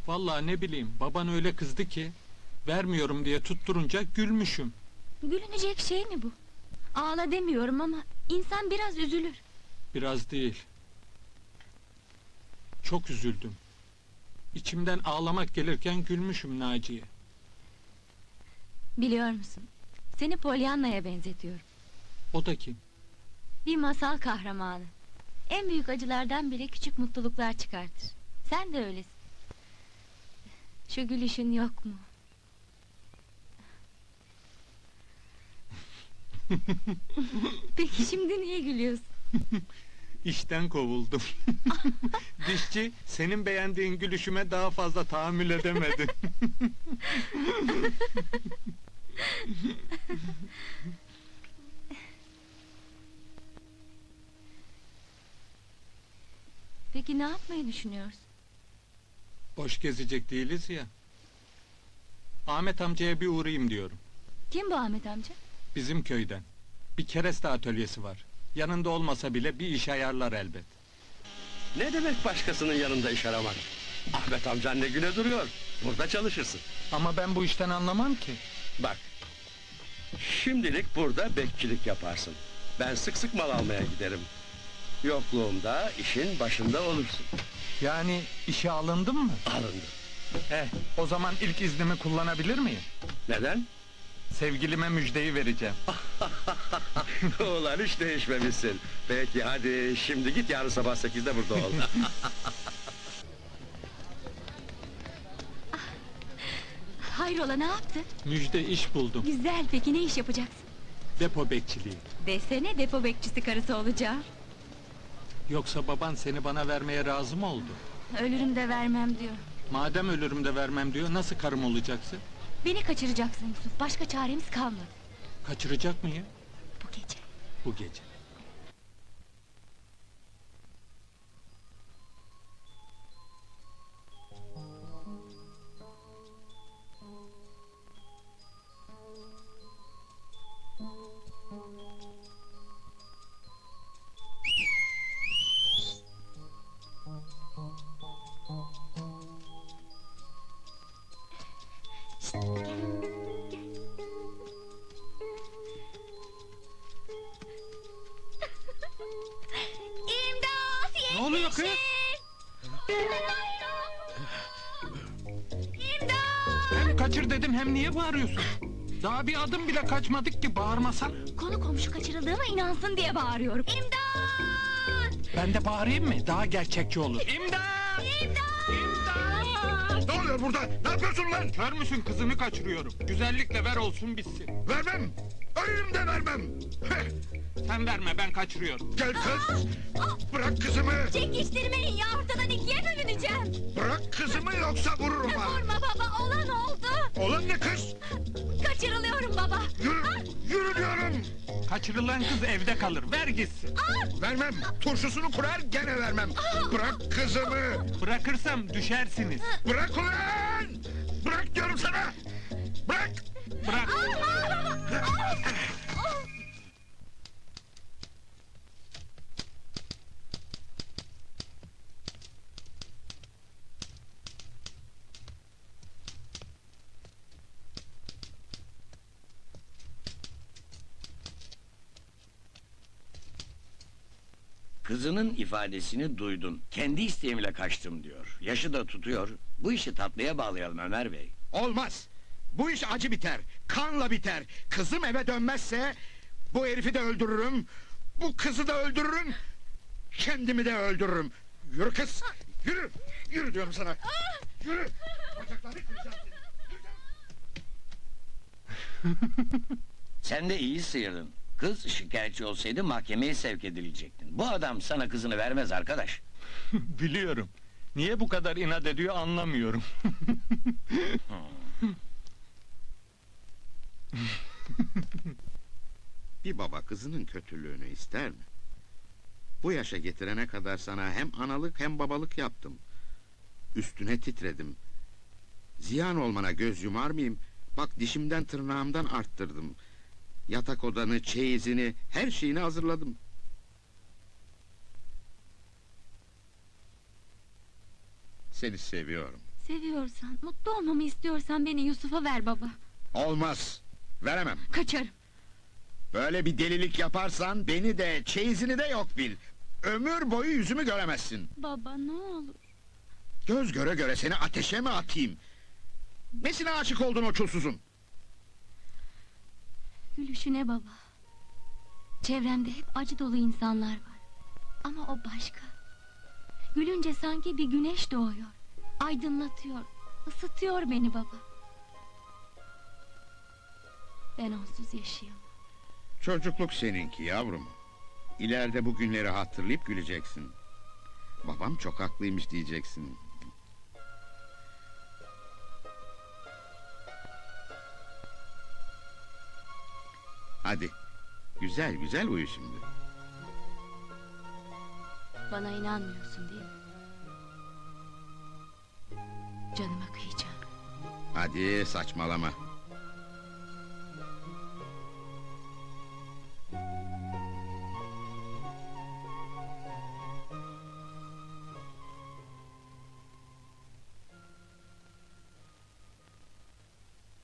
Vallahi ne bileyim, baban öyle kızdı ki... ...vermiyorum diye tutturunca gülmüşüm. Gülünecek şey mi bu? Ağla demiyorum ama insan biraz üzülür. Biraz değil. Çok üzüldüm. İçimden ağlamak gelirken gülmüşüm Naciye. Biliyor musun? Seni Pollyanna'ya benzetiyorum. O da kim? Bir masal kahramanı. En büyük acılardan bile küçük mutluluklar çıkartır. Sen de öylesin. Şu gülüşün yok mu? Peki şimdi niye gülüyorsun? İşten kovuldum. Dişçi, senin beğendiğin gülüşüme daha fazla tahammül edemedi. Peki ne yapmayı düşünüyorsun? Boş gezecek değiliz ya. Ahmet amcaya bir uğrayayım diyorum. Kim bu Ahmet amca? Bizim köyden. Bir kereste atölyesi var. Yanında olmasa bile bir iş ayarlar elbet. Ne demek başkasının yanında iş aramak? Ahmet amcan ne güne duruyor. Burada çalışırsın. Ama ben bu işten anlamam ki. Bak. Şimdilik burada bekçilik yaparsın. Ben sık sık mal almaya giderim. Yokluğumda işin başında olursun. Yani işe alındım mı? Alındı. O zaman ilk iznimi kullanabilir miyim? Neden? Sevgilime müjdeyi vereceğim. Ulan hiç değişmemişsin. Peki hadi şimdi git, yarın sabah 8'de burada ol. Hayrola, ne yaptın? Müjde, iş buldum. Güzel, peki ne iş yapacaksın? Depo bekçiliği. Desene, depo bekçisi karısı olacağım. Yoksa baban seni bana vermeye razı mı oldu? Ölürüm de vermem diyor. Madem ölürüm de vermem diyor, nasıl karım olacaksın? Beni kaçıracaksın Yusuf, başka çaremiz kalmadı. Kaçıracak mıyım? Bu gece. Bu gece. İmdat! Ne oluyor kız? İmdat! Hem kaçır dedim, hem niye bağırıyorsun? Daha bir adım bile kaçmadık ki, bağırmasan. Konu komşu kaçırıldığıma inansın diye bağırıyorum. İmdat! Ben de bağırayım mı? Daha gerçekçi olur. İmdat! İmdat! İmdat! Ne oluyor burada? Ne yapıyorsun lan? Kör müsün, kızımı kaçırıyorum. Güzellikle ver olsun bitsin. Vermem! Ölürüm de vermem! Heh, Sen verme, ben kaçırıyorum. gel kız! Bırak kızımı! Çekiştirmeyin ya, ortadan ikiye bölüneceğim. Bırak kızımı yoksa vururum ha! Vurma baba, olan oldu. Olan ne kız? Kaçırılıyorum baba. Yürü! Yürü diyorum! Kaçırılan kız evde kalır, ver gitsin. Vermem! Turşusunu kurar gene vermem! Bırak kızımı! Bırakırsam düşersiniz. Bırak ulan! Bırak diyorum sana! Bırak! Bırak. Kızının ifadesini duydun. Kendi isteğimle kaçtım diyor. Yaşı da tutuyor. Bu işi tatlıya bağlayalım Ömer Bey. Olmaz! Bu iş acı biter, kanla biter. Kızım eve dönmezse... ...bu herifi de öldürürüm... ...bu kızı da öldürürüm... ...kendimi de öldürürüm. Yürü kız! Yürü! Yürü diyorum sana! Yürü! Bacaklarını kıracağım seni! Sen de iyi sıyırdın. Kız şikayetçi olsaydı mahkemeye sevk edilecektin. Bu adam sana kızını vermez arkadaş. Biliyorum. Niye bu kadar inat ediyor anlamıyorum. Bir baba kızının kötülüğünü ister mi? Bu yaşa getirene kadar sana hem analık hem babalık yaptım. Üstüne titredim. Ziyan olmana göz yumar mıyım? Bak dişimden tırnağımdan arttırdım. Yatak odanı, çeyizini, her şeyini hazırladım. Seni seviyorum. Seviyorsan, mutlu olmamı istiyorsan beni Yusuf'a ver baba. Olmaz. Veremem. Kaçarım. Böyle bir delilik yaparsan beni de çeyizini de yok bil. Ömür boyu yüzümü göremezsin. Baba ne olur. Göz göre göre seni ateşe mi atayım? Nesine aşık oldun o çulsuzun? Gülüşüne baba. Çevremde hep acı dolu insanlar var. Ama o başka. Gülünce sanki bir güneş doğuyor. Aydınlatıyor, ısıtıyor beni baba. Ben onsuz yaşayamam. Çocukluk seninki yavrum. İleride bu günleri hatırlayıp güleceksin. Babam çok haklıymış diyeceksin. Hadi, güzel güzel uyu şimdi. Bana inanmıyorsun değil mi? Canıma kıyacağım. Hadi saçmalama.